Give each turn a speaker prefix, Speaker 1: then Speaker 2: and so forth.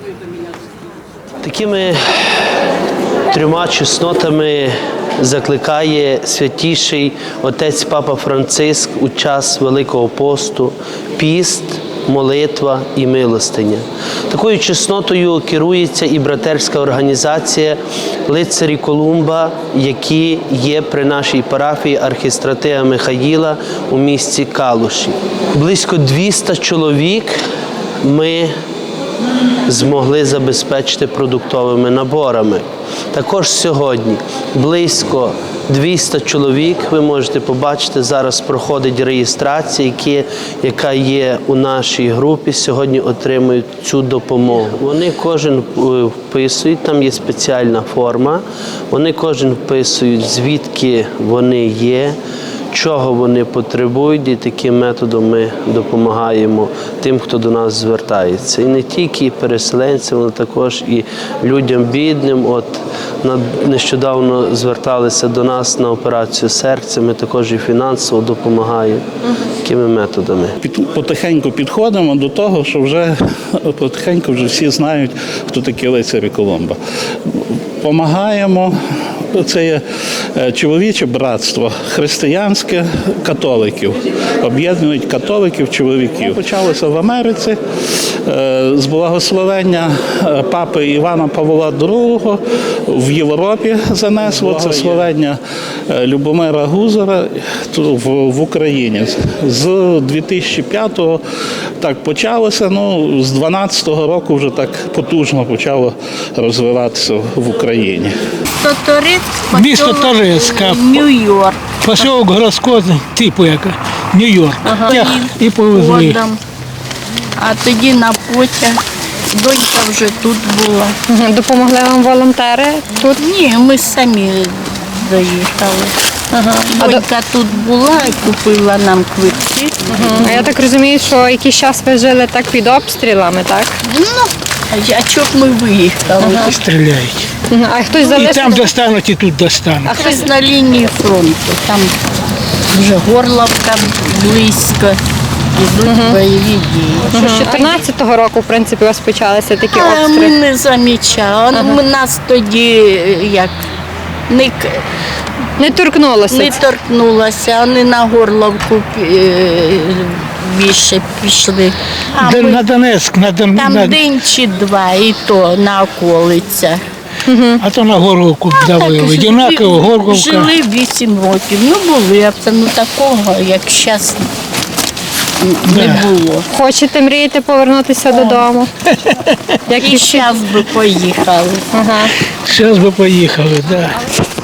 Speaker 1: Такими трьома чеснотами закликає святіший отець Папа Франциск у час Великого посту – піст, молитва і милостиня. Такою чеснотою керується і братерська організація «Лицарі Колумба», які є при нашій парафії архістратига Михаїла у місті Калуші. Близько 200 чоловік ми змогли забезпечити продуктовими наборами. Також сьогодні близько 200 чоловік, ви можете побачити, зараз проходить реєстрація, яка є у нашій групі, сьогодні отримують цю допомогу. Вони кожен вписують, там є спеціальна форма, вони кожен вписують, звідки вони є, чого вони потребують, і таким методом ми допомагаємо тим, хто до нас звертається. І не тільки переселенцям, але також і людям бідним. От нещодавно зверталися до нас на операцію серця, ми також і фінансово допомагаємо такими методами.
Speaker 2: Потихеньку підходимо до того, що вже потихеньку вже всі знають, хто такі лицарі Колумба. Помагаємо. Це є чоловіче братство, християнське католиків, об'єднують католиків, чоловіків. Почалося в Америці з благословення папи Івана Павла II в Європі занесло це словення Любомира Гузара в Україні. З 2005-го так почалося, з 12-го року вже так потужно почало розвиватися в Україні.
Speaker 3: Місто Торецьк,
Speaker 4: Нью-Йорк.
Speaker 3: поселок городського типу, як Нью-Йорк. І повезли.
Speaker 4: А тоді на потяг. Донька вже тут була.
Speaker 5: Допомогли вам волонтери тут?
Speaker 4: Ні, ми самі доїхали. Донька тут була і купила нам квитки.
Speaker 5: А я так розумію, що якийсь час ви жили так під обстрілами, так?
Speaker 4: А чого б ми виїхали?
Speaker 3: Стріляють.
Speaker 5: А хтось
Speaker 3: І
Speaker 5: залишив?
Speaker 3: там достануть, і тут достануть.
Speaker 4: А хтось на лінії фронту. Там вже Горловка близько. Ідуть бойові дії.
Speaker 5: З 14-го року, в принципі, у вас почалися такі
Speaker 4: Ми
Speaker 5: обстріли.
Speaker 4: не замічали. Нас тоді як
Speaker 5: Не торкнулося.
Speaker 4: не торкнулося, вони на Горловку більше пішли. А ми
Speaker 3: На Донецьк,
Speaker 4: там день чи два, і то на околицях.
Speaker 3: а то на Горловку давили. Єнаково, Горловка.
Speaker 4: Жили 8 років. Були, а такого, як зараз, не було.
Speaker 5: Хочете, мрієте повернутися додому?
Speaker 4: І зараз би поїхали.
Speaker 3: Зараз би поїхали, так.